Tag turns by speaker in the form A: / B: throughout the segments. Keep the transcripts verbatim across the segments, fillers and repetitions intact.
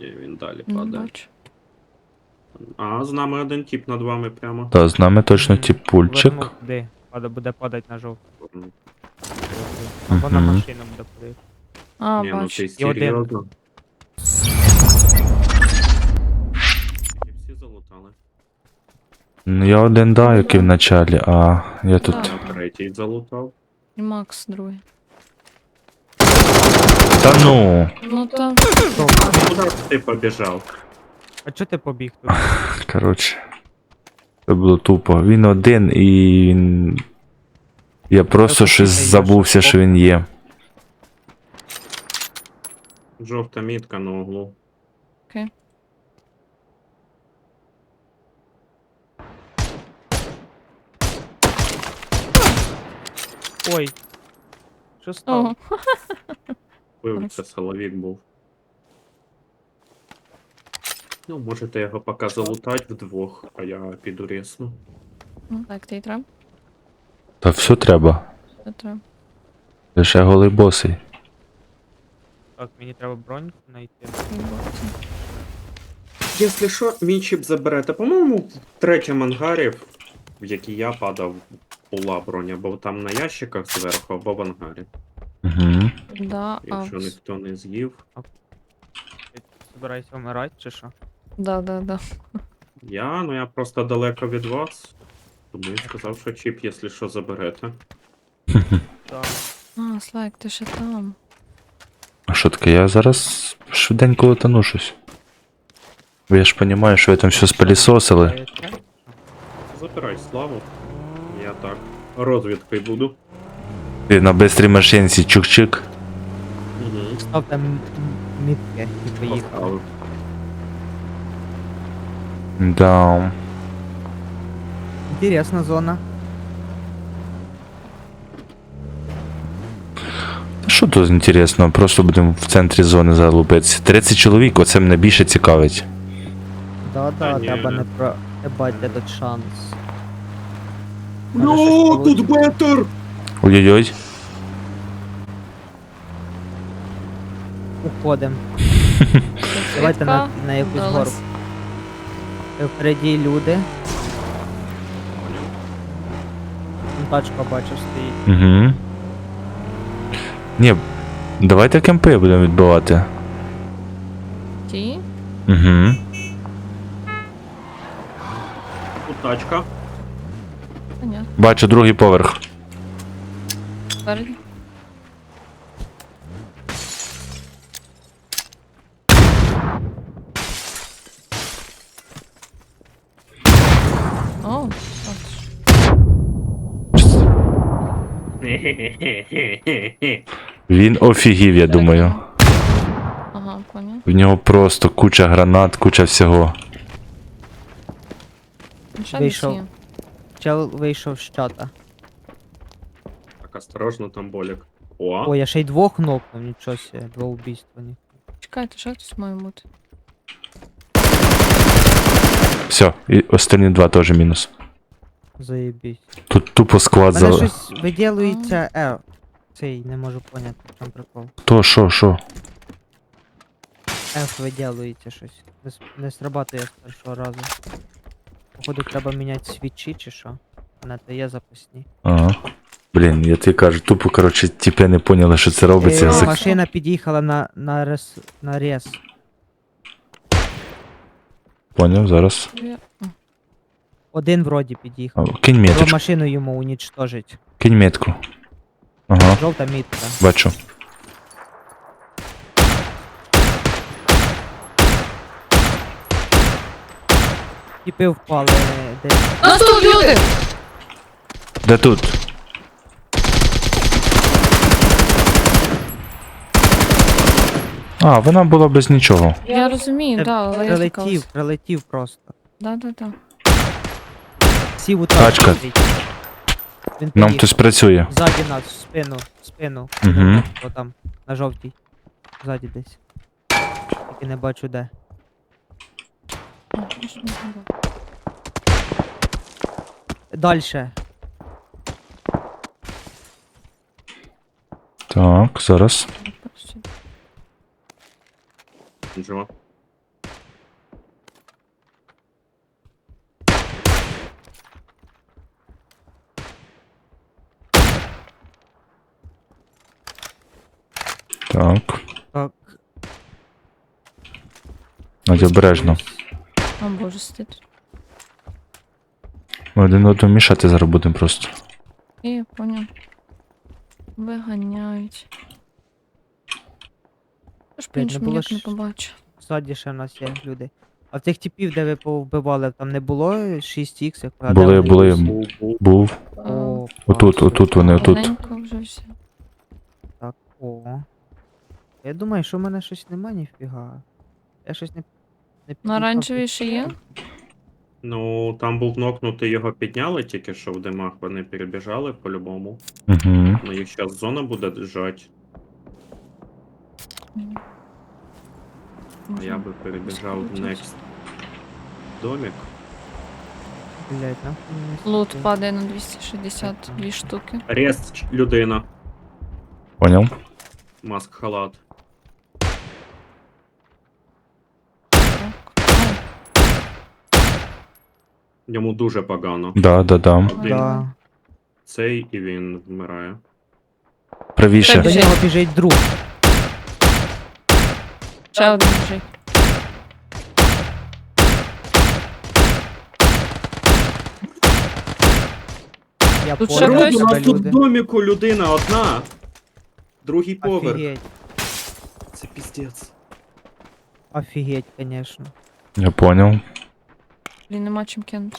A: Ні, він далі
B: Не
A: падає.
B: бачу.
A: А, з нами один тип над вами прямо.
C: Та, з нами точно
D: Мгм.
C: тіпульчик.
D: Вернув туди. Пада- Буде падати на жовту.
A: М.
D: Або на
C: Мгм.
D: машину буде падати.
B: А,
A: Ні, ну
B: бачу.
A: ти
D: І один.
A: серйозно. І всі залутали.
C: Ну, я один да, який в началі, а я тут.
B: Так.
A: А третій залутав.
B: І Макс другий.
C: Та ну,
B: Ну та.
A: Куди ти побіжав?
D: А чого ти побіг тут?
C: коротше. Це було тупо. Він один і він. Я просто
D: Я
C: щось
D: послухаю,
C: забувся,
D: я
C: що він є.
A: Жовта мітка на углу.
B: Окей.
D: Ой. Що стало?
B: Ого.
A: Вибив, це силовік був. Ну, можете його поки залутати вдвох, а я піду рісну.
B: Ну, Так, ти треба?
C: Та все треба.
B: Це треба.
C: Лише голий босий.
D: Так, мені треба броньку знайти.
B: Виборці.
A: Якщо що, мій чіп заберете. По-моєму, в третьому ангарі, в який я падав, була броня, бо там на ящиках зверху, або в ангарі.
C: Угу.
B: Да, а.
A: Якщо ніхто не з'їв.
D: Ти збираєшся вмирати чи що?
B: Да, да, да.
A: Я, ну я просто далеко від вас. Тому я сказав, що чіп, якщо що, заберете.
D: Так.
B: А, Слайк, ти ще там.
C: А що таке? Я зараз швиденько летану щось. Бо я ж розумію, що ви там все спилісосили.
D: Збираєшся?
A: Забирай славу. Я так. Розвідкою буду.
C: Ти на бистрій машинці чук-чик.
A: Угу.
D: Став там м- мітки і поїхав.
A: Поставив.
C: Да.
D: Інтересна зона.
C: Та що тут інтересно? Просто будемо в центрі зони залупитися. тридцять чоловік, оце мене більше цікавить.
D: Да,
A: Та
D: да,
A: ні.
D: треба не проебать этот шанс.
A: Ну,
D: Може, щось
A: тут бетер!
C: Ой-ой-ой.
D: Уходим. Давайте на, на якусь гору.
B: Вдалось.
D: Е, Впереді люди. Там тачка бачу стоїть.
C: Угу. Ні, давайте кемпи будемо відбивати.
B: Ті?
C: Угу.
A: Тут тачка.
B: Понятно.
C: Бачу другий поверх.
B: Спереді. О, от ж.
C: Він офігів, я думаю.
B: Ага, понял.
C: В нього просто куча гранат, куча всього.
B: Ну, ще
D: Вийшов.
B: десь є.
D: Чел вийшов з чата.
A: Так, осторожно, там болік. О,
D: Ой, я ще й двох нокнув, нічого себе, два убійства. ні.
B: Чекайте, ще хтось має бути.
C: Все, і останні два теж мінус.
D: Заєбісь.
C: Тут тупо склад
D: Мене
C: за.
D: щось виділується. Е, цей не можу поняти, в чому прикол.
C: То, що, що?
D: F виділується щось. Не, с- не срабатує з першого разу. Походу треба міняти свічі чи що. На те є запасні.
C: Ага. Блін, я тобі кажу, тупо, коротше, тіпи не поняли, що це робиться.
D: Е,
C: За-
D: машина під'їхала на, на, рес, на рез.
C: Поняв, зараз.
B: Я- О,
D: Один вроді під'їхав.
C: А, Кинь
D: Треба
C: меточку,
D: машину йому унічтожить.
C: кинь метку. Ага,
D: Жовта мітка.
C: бачу.
D: Тіпи впали десь.
B: Нас тут люди!
C: Де тут? А, вона була без нічого.
B: Я розумію, да, але я
D: Прилетів,
B: тікалась.
D: прилетів просто.
B: Да, да, да.
D: Сів у
C: Тачка.
D: тачку. Він
C: Нам
D: поїхав.
C: хтось працює.
D: Ззаді нас, в спину, в спину.
C: Мгм.
D: О там, на жовтій. Ззаді десь. Тільки не бачу де.
B: О, може, не знаю.
D: Дальше.
C: Так, зараз.
A: Джо.
C: Так.
D: Так.
C: Надя, обережно.
B: О боже, сидить.
C: Ми один одному мішати зараз будемо просто.
B: І я поняв. Виганяють. Я ж
D: Блядь, не
B: по-іншому
D: було
B: ніяк не
D: ж-
B: побачу.
D: Ззаді ще в нас є люди. А цих типів, де ви повбивали, там не було шість ікс?
C: Були, були.
A: Був, був.
C: Був.
D: О,
C: Отут,
D: клас,
C: отут вони, отут.
B: Маленько вже все.
D: Так, о. Я думаю, що в мене щось нема ніфіга. Я щось не. не
B: На
D: під'їхав
B: оранжевій
D: під-
B: ще є?
A: Ну, там був нокнутий, його підняли тільки що в димах, вони перебіжали по-любому.
C: Угу.
A: Ну їх зараз зона буде держать,
B: Ні.
A: а я би перебіжав в next домик.
D: Блять, нахуй мені
B: Лут
D: сюди.
B: падає на двісті шістдесят дві штуки.
A: Рест ч- людина,
C: Поняв?
A: маск халат.
B: Так. Ай,
A: Йому дуже погано.
C: Да, да, да.
A: Один
D: Да.
A: цей і він вмирає.
C: Правіше.
D: До
B: Біжить.
D: нього біжить друг.
B: Ще один біжить.
D: Я
B: Тут ще
D: понял
B: хтось?
A: Народ, у
D: тебе,
A: нас тут в
D: люди.
A: доміку людина одна. Другий поверх.
D: Офігеть.
A: Це піздець.
D: Офігеть, конечно.
C: Я поняв.
B: Блін, нема чим кинути.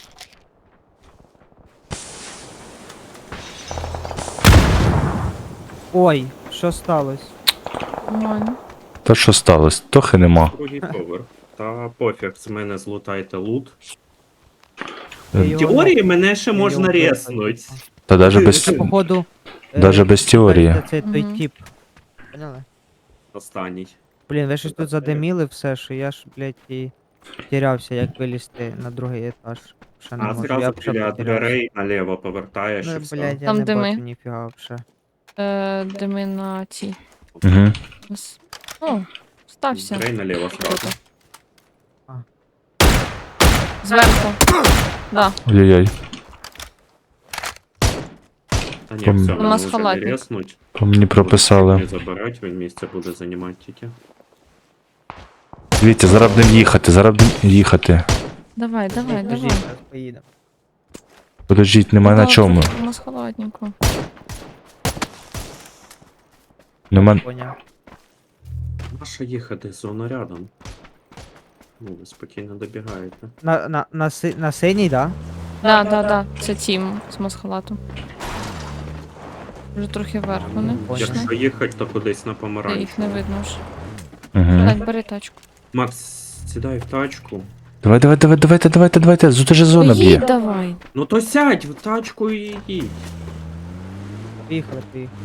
D: Ой, що сталося?
B: Нормально.
C: Та що сталося? Тохи нема.
A: Другий поверх. Та пофіг, з мене злутайте лут.
D: Я
C: Е,
A: В
D: його
A: теорії
D: нахуй-
A: мене ще
D: я
A: можна
D: його
A: резнуть.
D: вбив,
C: Та даже без,
D: Це, походу. е,
C: даже без теорії.
D: Це, це той
B: Мгм.
D: тип. Поняли?
A: Останній.
D: Блін, ви щось тут задиміли все, що я ж, блядь, і тірявся, як вилізти на другий етаж. Ще не
A: А
D: можу, я
A: зразу
D: вже
A: біля
D: потерявся.
A: дверей наліво повертаєш і
D: Ну,
A: все.
D: блядь, я
B: Там
D: не
B: дими.
D: бачу ніфіга вже.
B: Е, дими на ті.
C: Угу.
B: Нас- О, стався.
A: Дверей наліво сразу.
B: Круто.
D: А.
B: Зверху. Да.
C: Ой-ой-ой.
A: Та ні,
C: Там-
A: все,
B: У
A: мене
B: нас
A: вже не
B: халатник.
A: резнуть.
C: По мені прописали.
A: Не забирать, він місце буде займати тільки.
C: Дивіться, зараз будемо їхати, зараз будемо їхати.
B: Давай, давай,
D: Подожди,
B: давай.
D: зараз поїдемо.
C: Подождіть, немає на чому.
B: У нас холодненько.
C: Нема.
D: Поняв.
A: Наша їхати, зона рядом. Ну, ви спокійно добігаєте.
D: На, на, на, си, на синій, да?
B: Да, да, да. Це тім з масхалатом. Вже трохи вверх вони.
D: Понял.
B: пішли.
A: Якщо їхати, то кудись на
B: Та
A: помаранчу.
B: їх не видно вже.
C: Угу.
B: Так, бери тачку.
A: Макс, сідай в тачку.
C: Давай, давай, давай, давайте, давайте, давайте. Тут же зона б'є.
B: Їдь давай.
A: Ну то сядь в тачку і їдь.
D: Поїхали, поїхали.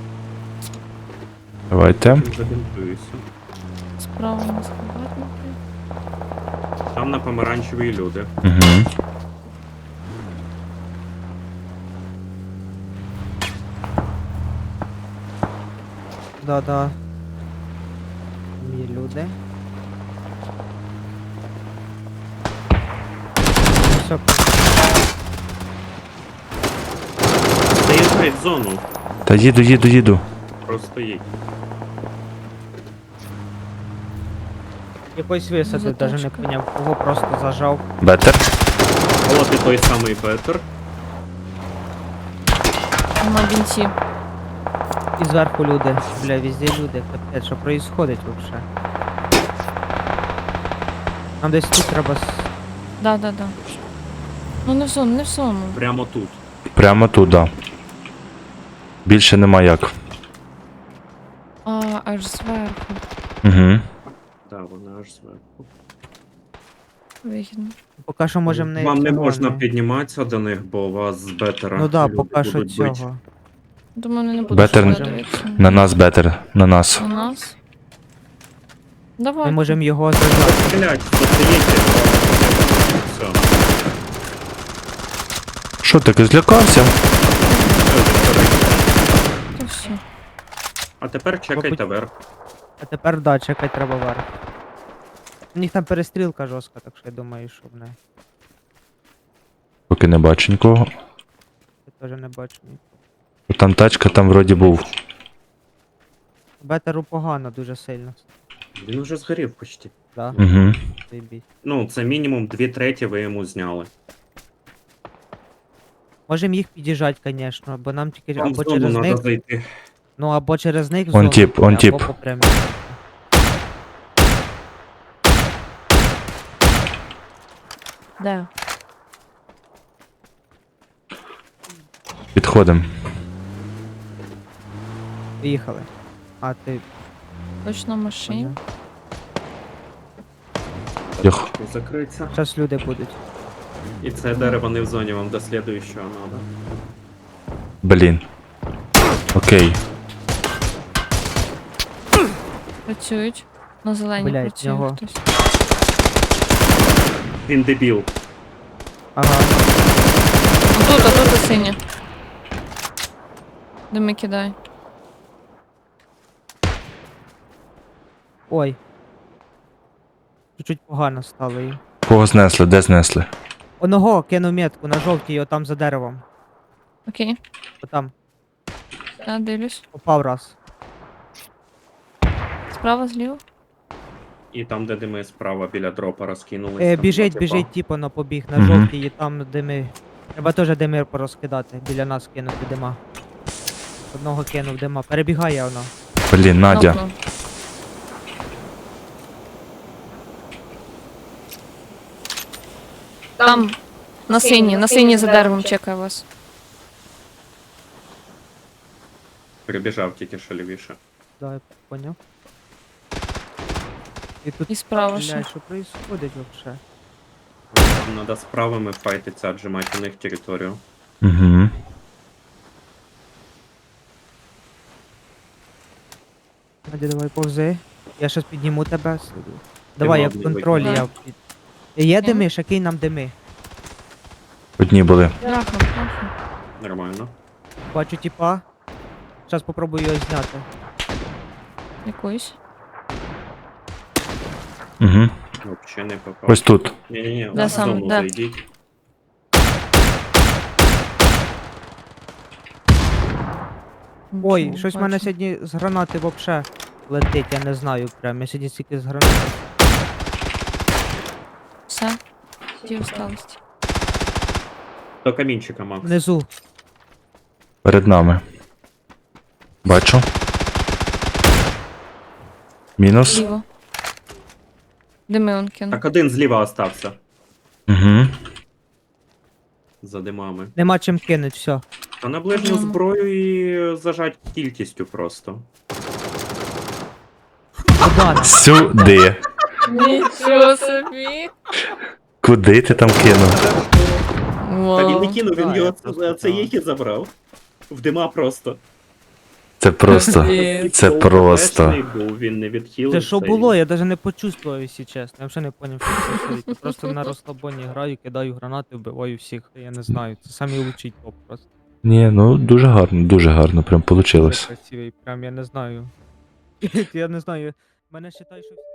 C: Давайте.
A: Чим забінтуюся.
B: Справа масхалатники.
A: Там на помаранчеві люди.
C: Угу.
D: Да, да. Є люди. Все,
A: Заїжджай в зону.
C: Та їду, їду, їду.
A: Просто їдь.
D: якось висадив, даже не
B: Заточка.
D: поняв, кого просто зажав.
C: Бетер.
A: От і той самий Петер.
B: Нема бінтів.
D: І зверху люди. Бля, везде люди. Капець, що происходить вообще? Нам десь тут треба. с-
B: Да, да, да. Ну не в зону, не в зону.
A: Прямо тут.
C: Прямо туди. Більше нема як.
B: А, аж зверху.
C: Угу.
A: Да, вона аж зверху.
B: Вигідно.
D: Поки що можемо не.
A: Вам не
D: цього,
A: можна
D: не-
A: підніматися до них, бо у вас з бетера.
D: Ну да,
A: люди
D: поки що
A: будуть бить.
D: цього.
B: Думаю, вони не будуть
C: Бетер
B: сюди
D: не-
B: дивитися.
C: На нас бетер. На нас.
B: На нас.
D: Ми
B: Давай.
D: можемо його зажати.
A: Стрілять, застоїте. Все.
C: Що таке, злякався?
B: То все.
A: А тепер чекайте верх.
D: А тепер да, чекати треба вверх. У них там перестрілка жорстка, так що я думаю, що в неї.
C: Поки не бачу нікого.
D: Я теж не бачу. ні.
C: Там тачка, там вроді був.
D: Бетеру погано дуже сильно.
A: Він уже згорів почти.
D: Да?
C: Угу.
D: Заєбісь.
A: Ну, це мінімум дві треті ви йому зняли.
D: Можем їх під'їжджати, звісно, бо нам тільки
A: Вам в
D: або
A: зону
D: через
A: треба
D: них,
A: зайти.
D: ну або через них в
C: Он
D: зону,
C: тип, он
D: або
C: тип.
D: по прямій.
B: Де?
C: Підходимо.
D: Поїхали. А ти
B: Точно в машині?
D: поняв.
C: Йох.
A: Закриться.
D: Зараз люди будуть.
A: І це дерево не в зоні, вам до слідуючого треба.
C: Блін. Окей.
B: Працюють. На зеленій
D: Блядь,
B: працює
D: нього.
B: хтось.
A: Він дебіл.
D: Ага.
B: Тут, а тут і синя. Дими кидай.
D: Ой. Чуть-чуть погано стало їм.
C: Кого знесли? Де знесли?
D: Оного кинув метку на жовтій, отам за деревом.
B: Окей.
D: Отам.
B: Я дивлюсь.
D: Попав раз.
B: Справа, зліва.
A: І там, де дими справа біля дропа розкинулися.
D: Е,
A: там
D: біжить,
A: два
D: біжить,
A: типа.
D: типу, на побіг на
C: Мгм.
D: жовтій, і там дими. Треба теж дими порозкидати, біля нас кинути дима. Одного кинув дима. Перебігає воно.
C: Блін, Надя.
B: Нокнув. Там. На синій, на синій за деревом чекає вас.
A: Прибіжав тільки що лівіше.
D: Да, я поняв. І тут,
B: І справа ще.
D: блядь, що происходить вообще?
A: Вам треба з правими файтиться, отжимати у них територію.
C: Угу.
D: Надя, давай повзи. Я щас підніму тебе. Давай, я в
A: мав не
D: контролі,
B: викинути.
D: я під... Є
B: Мгм.
D: дими, який нам дими.
C: Одні були.
B: Трахнув, трахнув.
A: Нормально.
D: Бачу типа. Зараз попробую його зняти.
B: Якусь.
C: Угу.
A: Взагалі не попав.
C: Ось тут.
A: Ні-ні-ні,
B: Де
A: в
B: саме?
A: зону
B: Де?
A: зайдіть.
D: Ой,
B: Нічого,
D: щось в мене
B: бачу.
D: сьогодні з гранати вообще летить, я не знаю прям. Я сьогодні стільки з гранати.
B: Все. Ті усталості.
A: До камінчика, Макс.
D: Внизу.
C: Перед нами. Бачу. Мінус.
B: Зліво. Дими он кинув.
A: Так один зліва остався.
C: Угу.
A: За димами.
D: Нема чим кинуть, все.
A: Та на ближню
B: Мгм.
A: зброю і зажать кількістю просто.
D: Куда?
C: Сюди.
B: Нічого собі.
C: Куди ти там кинув?
A: Та він не
B: Вау.
A: кинув, він
D: Да,
A: його
D: я
A: це,
D: просто
A: це
D: знав.
A: їх і забрав. В дима просто.
C: Це просто.
B: Блін.
C: Це
A: Сол
C: просто.
A: ППшний був, він не відхилився.
D: Це що
A: і-
D: було? Я навіть не почувствував, якщо чесно. Я взагалі не поняв, що це происходить. Я просто на розслабоні граю, кидаю гранати, вбиваю всіх. Я не знаю. Це самий лучший топ просто.
C: Ні, ну дуже гарно, дуже гарно, прям
D: Дуже
C: получилось.
D: красивий, прям я не знаю. Я не знаю. Мене вважаю, що.